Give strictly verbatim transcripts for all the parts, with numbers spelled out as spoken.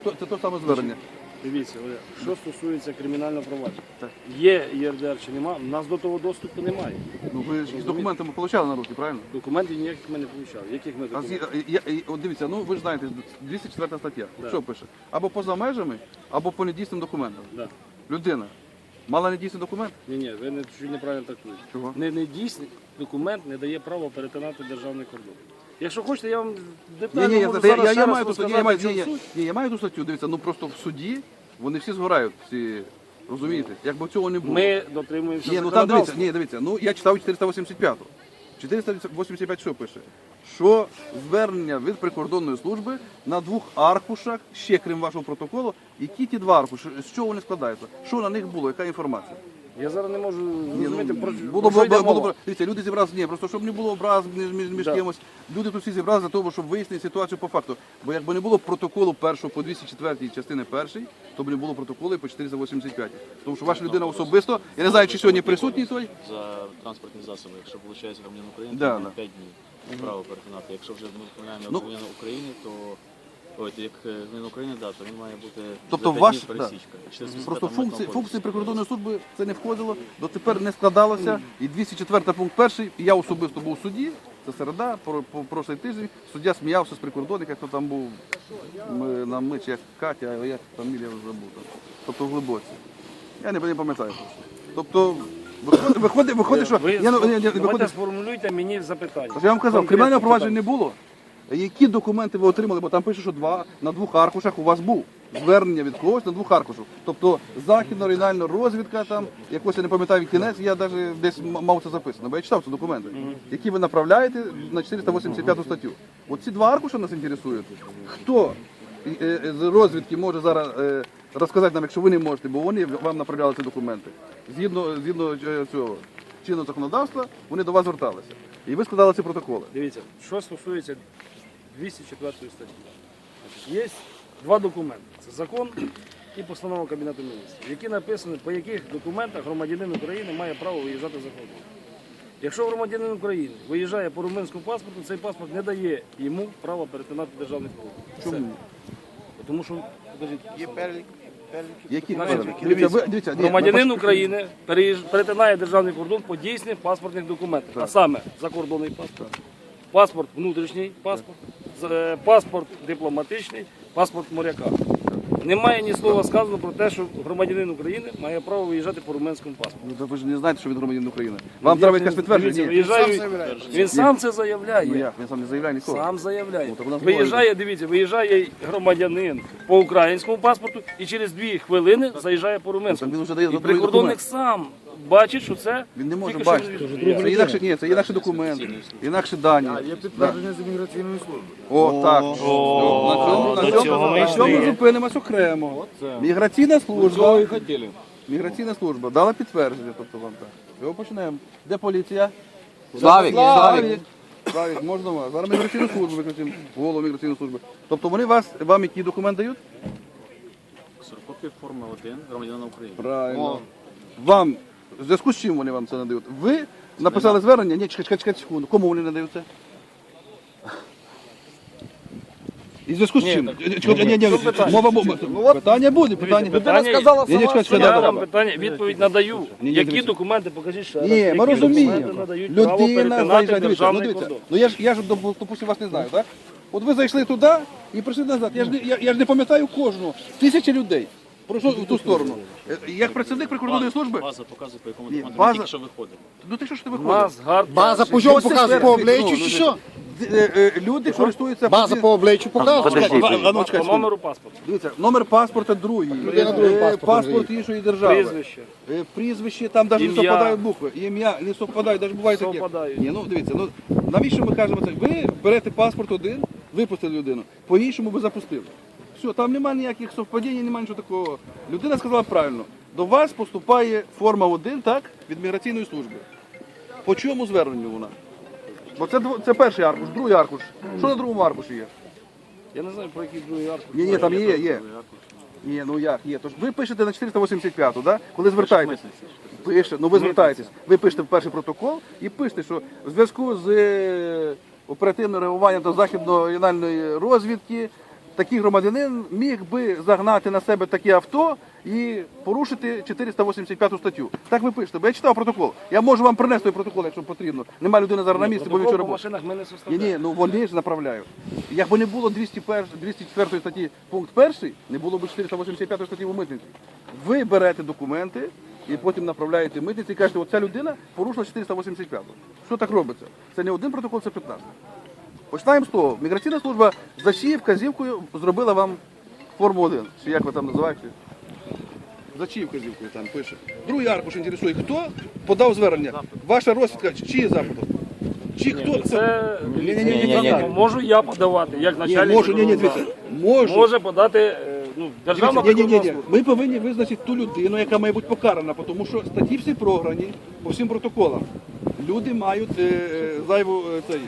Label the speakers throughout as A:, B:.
A: Це те саме звернення.
B: Дивіться, Оля, що стосується кримінального провадження. Є ЄРДР чи нема, у нас до того доступу немає.
A: Ну ви ж із документами отримали на руки, правильно?
B: Документів ніяких ми не отримали. Яких ми
A: А
B: документів?
A: зі- я- я- От дивіться, ну ви ж знаєте, двісті четверта стаття.
B: Да.
A: Що пише? Або поза межами, або по недійсним документам.
B: Да.
A: Людина мала недійсний документ?
B: Ні, ні, ви не, чуть неправильно трактуєте.
A: Чого?
B: Не, не дійсний документ не дає права перетинати державний кордон. Якщо хочете, я вам
A: Ні,
B: детально
A: ні, я,
B: можу
A: я,
B: зараз
A: я,
B: ще
A: я
B: раз
A: маю ту статтю, я
B: розказати,
A: маю,
B: в
A: ні,
B: чому
A: ні,
B: суть.
A: ні, я маю ту статтю, дивіться, ну просто в суді вони всі згорають, всі, розумієте? Якби цього не було.
B: Ми дотримуємося
A: Ні, ну там дивіться,
B: законодавства.
A: ні, дивіться, ну я читав чотириста вісімдесят п'яту. чотириста вісімдесят п'ять що пише? Що звернення від прикордонної служби на двох аркушах, ще крім вашого протоколу, які ті два аркуші, з чого вони складаються? Що на них було, яка інформація?
B: Я зараз не можу
A: Ні,
B: зрозуміти,
A: ну,
B: про,
A: було,
B: про що
A: було,
B: йде
A: було,
B: мова.
A: було, дивіться, люди зібралися, ні, просто щоб не було образ між, між, між
B: Да.
A: кимось. Люди тут всі зібралися для того, щоб вияснити ситуацію по факту. Бо якби не було протоколу першого по двісті четвертій частини першої, то б не було протоколу і по чотириста вісімдесят п'ятій. Тому що ваша людина особисто, я не знаю, чи сьогодні присутній той.
C: За транспортні засоби, якщо виходить громадянин України,
A: Да,
C: то
A: да.
C: має п'ять днів право перетинати. Якщо вже ми впливаємо
A: Ну,
C: громадянина України, то ой, як громадянин України, да, то він має бути
A: Тобто
C: за п'ять
A: ваш-
C: днів пересічка. чотириста
A: Просто
C: вісімдесят
A: функції,
C: митного
A: функції
C: кодексу.
A: прикордонної служби це не входило, дотепер не складалося. І двісті четвертий пункт перший, і я особисто був у суді, це середа, про, по прошлий тиждень, суддя сміявся з прикордонника, хто там був ми, на мич, як Катя, а як фамілія вже забув. там. Тобто в Глибоці. Я не, не пам'ятаю просто. Тобто, виходить, виходить, виходить що...
B: Ви,
A: я, ну, ні, ні,
B: давайте
A: виходить,
B: сформулюйте мені запитання.
A: я вам казав,
B: Конкретне
A: кримінального провадження не
B: питання.
A: було. Які документи ви отримали? Бо там пише, що два, на двох аркушах у вас був звернення від когось на двох аркушах. Тобто західно-регіональна розвідка, там, якось я не пам'ятаю кінець, я навіть десь м- мав це записано, бо я читав ці документи, які ви направляєте на чотириста вісімдесят п'яту статтю. Оці два аркуша нас інтересують. Хто е, е, з розвідки може зараз е, розказати нам, якщо ви не можете, бо вони вам направляли ці документи. Згідно, згідно е, цього чинного законодавства, вони до вас зверталися. І ви складали ці протоколи.
B: Дивіться, що стосується двісті четвертої статті. Є два документи. Це закон і постанова Кабінету Міністрів, які написані, по яких документах громадянин України має право виїжджати за кордон. Якщо громадянин України виїжджає по румунському паспорту, цей паспорт не дає йому права перетинати державний кордон.
A: Чому?
B: Все. Тому що, покажіть, є перелік.
A: Які
B: Значить,
A: переліки?
B: дивіться,
A: ви- дивіться, ні,
B: громадянин
A: ми
B: України переїж- перетинає державний кордон по дійсних паспортних документах, а саме закордонний паспорт, паспорт внутрішній паспорт, з- е, паспорт дипломатичний, паспорт моряка. Немає ні слова сказано про те, що громадянин України має право виїжджати по румунському паспорту.
A: Ну, та ви ж не знаєте, що він громадянин України. Вам треба якесь підтвердження.
B: Дивіться,
A: Ні.
B: виїжджає, він сам це заявляє.
A: Ну як, він сам не заявляє нікого.
B: Сам заявляє.
A: Ну, так у нас
B: Виїжджає, дивіться, виїжджає громадянин по українському паспорту і через дві хвилини заїжджає по
A: Ну, так
B: румунському.
A: він вже дає
B: І
A: другий
B: прикордонник
A: документ.
B: сам бачить, що це
A: Він не може
B: тільки що
A: бачити.
B: від-
A: Це інакше, ні, це інакше документ, інакше дані.
D: Є підтвердження з імміграційної служби.
A: О, так. На цьому, на цьому, на цьому зупинимось окремо. Міграційна служба.
D: хотіли.
A: Міграційна служба дала підтвердження, тобто вам так. Його почнемо. Де поліція?
D: Славік,
A: Славік. Славік, можна вас. Зараз міграційну службу викличемо, голову міграційної служби. Тобто вони вас, вам який документ дають?
C: Ксерокопія форми один громадянина України.
A: Правильно. Вам, в зв'язку з чим вони вам це надають? Ви написали звернення? Ні, чекай, чекай, чекай секунду. Кому вони надають це? І в зв'язку з
B: Ні,
A: чим?
B: так,
A: Чекай, ні, ні,
B: що питання?
A: мова, мова. Питання буде, питання.
B: питання-
A: Ні, ні, чекай, чекай,
B: Я
A: да,
B: вам
A: да.
B: питання, відповідь надаю.
A: ні,
B: Які
A: дивіться.
B: документи, покажіть ще раз.
A: Ні,
B: які
A: ми розуміємо.
B: документи надають право
A: Людина
B: перетинати
A: заїжджає, дивіться, ну
B: державний
A: дивіться.
B: кордон.
A: Ну я ж, я ж, доп- допустим, вас не знаю, так? От ви зайшли туди і прийшли назад. Я ж не, я, я ж не пам'ятаю кожного. Тисячі людей пройшло в ту сторону. Е, Як працівник прикордонної служби,
C: База показує, по якому
A: Ні,
C: документу
A: база-
C: ми тільки що виходимо.
A: ну ти що ж ти
B: У
A: виходиш?
B: нас гард.
D: База по чому
A: Ось це
D: показує?
A: все,
D: По
A: ну,
D: обличчю
A: ну,
D: чи
A: ну,
D: що?
A: Е, е, Люди користуються...
D: База по обличчю показує.
A: А, а, ну,
B: По
A: чекай,
B: номеру паспорту.
A: Дивіться, номер паспорта другий,
D: Людина другим
A: Е,
D: паспортом
A: паспорт
D: живе.
A: іншої держави.
B: Прізвище.
A: Е, Прізвище, там навіть не
B: Ім'я.
A: совпадають букви. Ім'я не совпадають, навіть буває таке.
B: Совпадають.
A: Ні, ну дивіться, ну навіщо ми кажемо це? Ви берете паспорт один, випустили людину, по-іншому ви запустили. Все, там немає ніяких совпадінь, немає нічого такого. Людина сказала правильно. До вас поступає форма один, так, від міграційної служби. По чому зверненню вона? Бо це, дво- це перший аркуш, другий аркуш. Що на другому аркуші є?
B: Я не знаю, про який другий аркуш.
A: Ні, ні, там є, є. Ні, ну як, є. Тож ви пишете на чотириста вісімдесят п'яту, да? Коли звертаєтесь. Пише, ну ви звертаєтесь. Ви пишете в перший протокол і пишете, що в зв'язку з е, оперативним реагуванням до західно-регіональної розвідки такий громадянин міг би загнати на себе таке авто і порушити чотириста вісімдесят п'яту статтю. Так ви пишете, бо я читав протокол. Я можу вам принести той протокол, якщо потрібно. Нема людини зараз на місці, бо він
B: Протокол
A: вчора
B: по
A: був.
B: машинах ми не
A: Ні,
B: составляємо.
A: ні, ну вони ж направляють. Якби не було двісті першої, двісті четвертої статті пункт перший, не було б чотириста вісімдесят п'ятої статті у митниці. Ви берете документи і потім направляєте митниці і кажете, оця людина порушила чотириста вісімдесят п'яту. Що так робиться? Це не один протокол, це п'ятнадцять. Починаємо з того. Міграційна служба за чиєю вказівкою зробила вам форму один. Чи як ви там називаєте? За чиєю вказівкою там пише. Другий аркуш інтересує, хто подав звернення? Ваша розвідка, чи чиї запитом? Чи хто?
B: Це
A: Ні, ні, ні, ні, ні.
B: можу я подавати, як
A: Ні,
B: начальник.
A: можу, ні, ні, дивіться, можу.
B: Може подати е, ну, державна
A: Ні, ні, ні, ні.
B: прикордонна служба.
A: Ми повинні визначити ту людину, яка має бути покарана, тому що статті всі програні по всім протоколам. Люди мають е, зайву е, цей,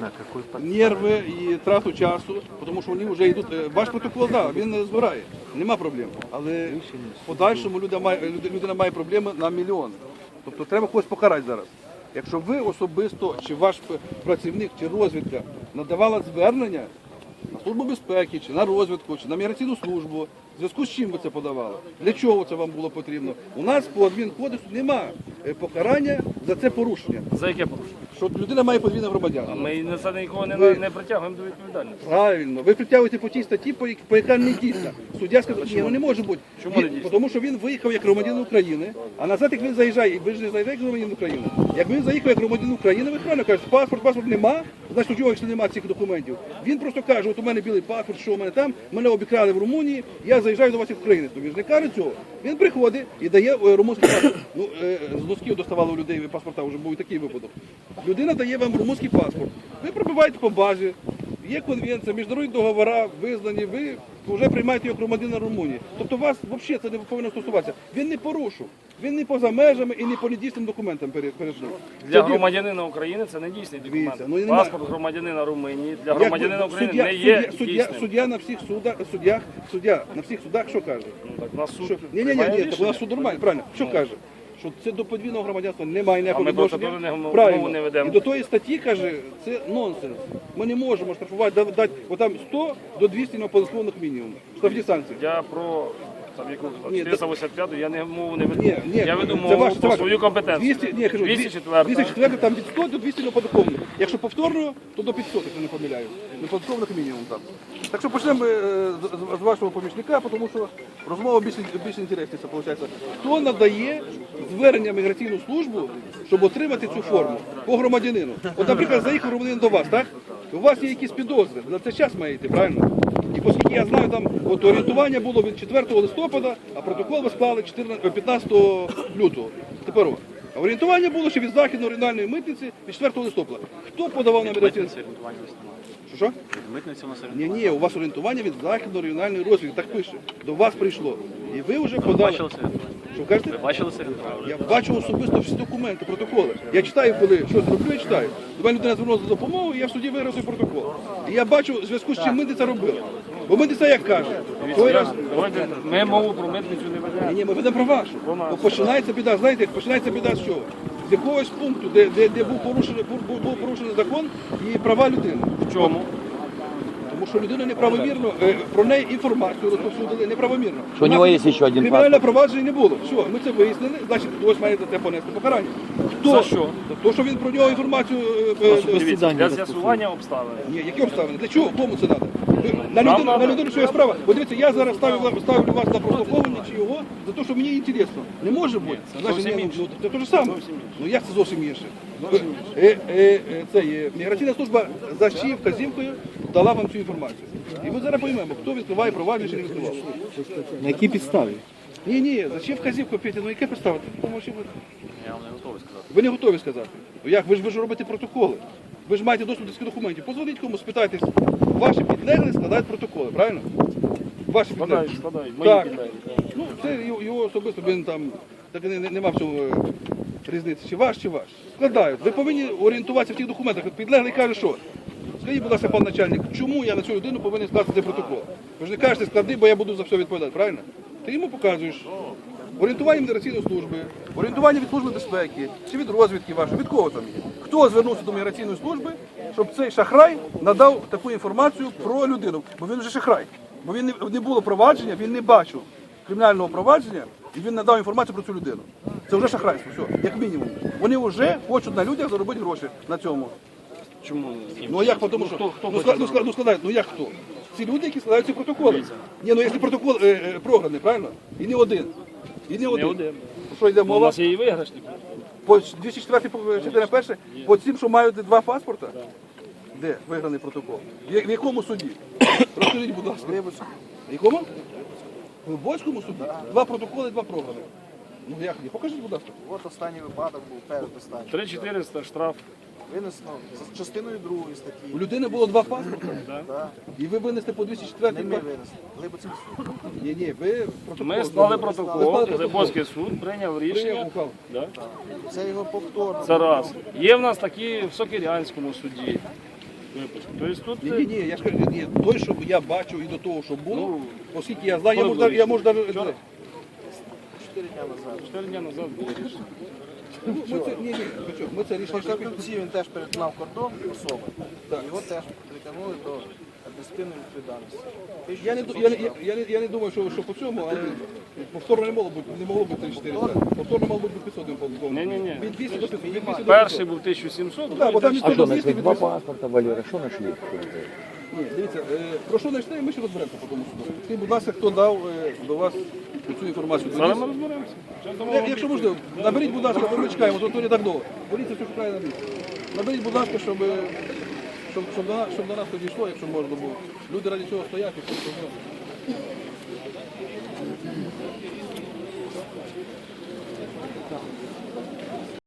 A: нерви і трату часу, тому що вони вже йдуть. е, Ваш протокол, да, він е, збирає, нема проблем. Але в подальшому людина має, люд- людина має проблеми на мільйони. Тобто треба когось покарати зараз. Якщо ви особисто, чи ваш п- працівник, чи розвідка надавала звернення на службу безпеки, чи на розвідку, чи на міграційну службу, в зв'язку з чим ви це подавали? Для чого це вам було потрібно? У нас по адмінкодексу немає е, покарання за це порушення.
B: За яке порушення?
A: Що людина має подвійне громадянство.
B: Ми на це нікого не,
A: Ви-
B: не притягуємо до відповідальності.
A: Правильно, ви притягуєте по тій статті, по, як- по яка не дійсна. Суддя сказав, ні, ну не може бути.
B: Чому
A: Він-
B: не дійсна?
A: Тому що він виїхав як громадянин України, а назад, як він заїжджає, ви ж не заїжджаєте як громадянин України. Як він заїхав як громадянин України, ви правильно кажете, паспорт, паспорт нема, значить у нього якщо немає цих документів. Він просто каже, от у мене білий паспорт, що у мене там, мене обікрали в Румунії, я заїжджаю до вас як України. То він ж не каже цього. Він приходить і дає е, румунський паспорт. Ну, е, з носків доставали у людей паспорта, вже був і такий випадок. Людина дає вам румунський паспорт. Ви пробиваєте по базі, є конвенція, міжнародні договори визнані, ви вже приймаєте його громадянина Румунії. Тобто вас взагалі це не повинно стосуватися. Він не порушив, він не поза межами і не по недійсним документам перед перед ним.
B: Для
A: Це
B: громадянина України це не дійсний документ.
A: Дивіться, ну, і нема-
B: Паспорт громадянина Румунії для
A: Як
B: громадянина
A: ви-
B: України
A: суддя,
B: не є
A: суддя, суддя,
B: дійсним.
A: суддя на всіх судах, суддях, суддя на всіх судах що каже?
B: Ну, так, на суд
A: Що? Ні, ні, ні,
B: приймає
A: ні, так у
B: рішення.
A: нас суд нормальний, правильно. Що каже? Що це до подвійного громадянства немає ніякого
B: А ми просто
A: відношення.
B: про нього
A: Правильно.
B: мову не ведемо.
A: І до тої статті каже, це нонсенс. Ми не можемо штрафувати, да- дати отам сто до двісті неоподаткованих мінімум. Штрафні санкції.
B: Я про там, яку
A: Ні,
B: чотириста вісімдесят п'яту я не мову не веду.
A: Ні, ні,
B: я веду
A: це
B: мову
A: ваше- це
B: про
A: ваше.
B: свою компетенцію.
A: двісті, ні, я кажу,
B: двісті четверта.
A: двісті четверта там від сто до двісті неоподаткованих. Якщо повторно, то до п'ятсот, якщо не помиляю. Неоподаткованих мінімум там. Так що почнемо е, з, з вашого помічника, тому що розмова більш, більш інтересніша, виходить. Хто надає звернення в міграційну службу, щоб отримати цю форму по громадянину? От, наприклад, заїхав громадянин до вас, так? У вас є якісь підозри, на це час має йти, правильно? І оскільки я знаю, там от орієнтування було від четвертого листопада, а протокол ви склали чотирнадцятого п'ятнадцятого лютого. Тепер о. А орієнтування було ще від Західної регіональної митниці від четвертого листопада. Хто подавав на міграційну?
C: Митниці орієнтування у нас немає.
A: Що, що?
C: Митниці у нас
A: Ні,
C: орієнтування.
A: ні, у вас орієнтування від Західної регіональної розвідки, так пише. До вас прийшло. І ви вже
C: Ви
A: подали.
C: бачили це орієнтування?
A: Що кажете?
C: Ви бачили це орієнтування?
A: Я бачу особисто всі документи, протоколи. Я читаю, коли щось роблю, я читаю. До мене людина звернулася за допомогою, і я в суді виграв цей протокол. І я бачу в зв'язку з чим митниця робила. Бо митниця як каже, той раз.
B: Давайте, ми мову про митницю не ведемо.
A: Ні, ні, ми ведемо про вашу. Бо починається біда, знаєте, як починається біда з чого? З якогось пункту, де, де, де був, порушений, був, був порушений закон і права людини.
B: В чому?
A: Тому що людина неправомірно, е, про неї інформацію розповсюдили неправомірно.
E: Що у нього є ще один
A: Кримінальне
E: паспорт.
A: провадження не було. Все, ми це вияснили, значить хтось має за це понести покарання. Хто?
B: За що?
A: За те, що він про нього інформацію... е, е,
B: Дивіться, для з'ясування обставин.
A: Ні, які обставини? Для чого? Кому це треба? На людину, на людину своя справа. Бо дивіться, я зараз ставлю, ставлю вас на прослуховування чи його за те, що мені інтересно. Не може бути. Значить,
B: зовсім
A: ні,
B: інше.
A: ну, це те ж саме. Ну як це зовсім інше? Е, е, е, це є. Міграційна служба за чиєю вказівкою дала вам цю інформацію. І ми зараз поймемо, хто відкриває провадження чи не відкривав.
D: На якій підставі?
A: Ні, ні, за чиєю вказівкою, Петя, ну яке підстава? Помовчи, будь.
C: Я вам не готовий сказати.
A: Ви не готові сказати. Ну як? Ви ж ви ж робите протоколи. Ви ж маєте доступ до цих документів. Позвоніть комусь, спитайтесь. Ваші підлеглі складають протоколи, правильно? Ваші підлеглі.
B: Складають, складають. Мої
A: Так.
B: підлеглі.
A: Ну, це його, його особисто, він там, так не, не, нема в цьому е, різниці, чи ваш, чи ваш. Складають. Ви повинні орієнтуватися в тих документах. От підлеглий каже, що? Скажіть, будь ласка, пан начальник, чому я на цю людину повинен скласти цей протокол? Ви ж не кажете, склади, бо я буду за все відповідати, правильно? Ти йому показуєш. Орієнтування міграційної служби, орієнтування від служби безпеки, чи від розвідки вашої, від кого там є? Хто звернувся до міграційної служби, щоб цей шахрай надав таку інформацію про людину? Бо він вже шахрай. Бо він не, не було провадження, він не бачив кримінального провадження і він надав інформацію про цю людину. Це вже шахрайство, все, як мінімум. Вони вже хочуть на людях заробити гроші на цьому.
B: Чому?
A: Ну а як, тому що,
B: хто- хто
A: ну,
B: хоче
A: склад- ну, склад- ну складають, ну як хто? Ці люди, які складають ці протоколи. Ні, ну якщо протокол е, е, програний, правильно? І не один. І не один.
B: один.
A: Що йде
B: У
A: мова?
B: нас є і виграшник.
A: По двісті четвертій по- частина перша, по цим, що мають два паспорта? Де виграний протокол? В, я- в якому суді? Розкажіть, будь ласка. В якому? В Глибоцькому суді? Два протоколи, два програми. Ну як ні? Покажіть, будь ласка.
E: От останній випадок був перед останнім.
B: три чотириста штраф.
E: Винесено за частиною другої статті.
A: У людини було два паспорта,
E: Да.
A: і ви винесли по двісті четвертій.
E: Не ми винесли. Глибоцький суд.
A: Ні, ні, ви протокол.
B: Ми склали
A: Ви
B: протокол,
A: склали протокол.
B: Глибоцький суд прийняв
A: Прийняв
B: рішення.
A: ухвалу.
B: Да?
E: Це його повторно.
B: Це раз. Є в нас такі в Сокирянському суді. Випуск. Тобто тут
A: Ні, ні, ні, я ж кажу, ні, той, що я бачив і до того, що було,
B: Ну,
A: оскільки я знаю, я
B: коли
A: можу, навіть- я
B: було?
A: можу навіть...
E: Чотири дня назад.
B: чотири дні назад було рішення.
A: Ну, Ми це, ні, ні, ви що, ми це рішення...
E: В Кропивці він теж перетинав кордон особи.
A: Так.
E: Його теж притягнули до адміністративної відповідальності.
A: Я не, ду- я, не, я, я, не, я не думаю, що, що по цьому, але повторно не могло бути, не могло бути три чотири. Повторно мало бути п'ятсот.
B: Ні-ні-ні.
A: Від двісті до п'ятсот. від двісті до
B: Перший був тисяча сімсот,
A: Так, бо там
B: другий
A: ніхто
D: А что,
A: не
D: нашли
A: двісті,
D: два
A: від двісті.
D: паспорта, Валера, что нашли?
A: Ні, дивіться, е, про що знайшли, ми ще розберемося по тому суду. Скажіть, будь ласка, хто дав е, до вас цю інформацію?
B: Зараз ми розберемося. Зараз дамо
A: Як-
B: вам
A: Якщо
B: відповідь.
A: можливо, наберіть, будь ласка, бо ми чекаємо, то не так довго. Поліція все шукає на місці. Наберіть, будь ласка, щоб, е, щоб, щоб, до нас, щоб до нас то дійшло, якщо можна було. Люди раді цього стоять і все.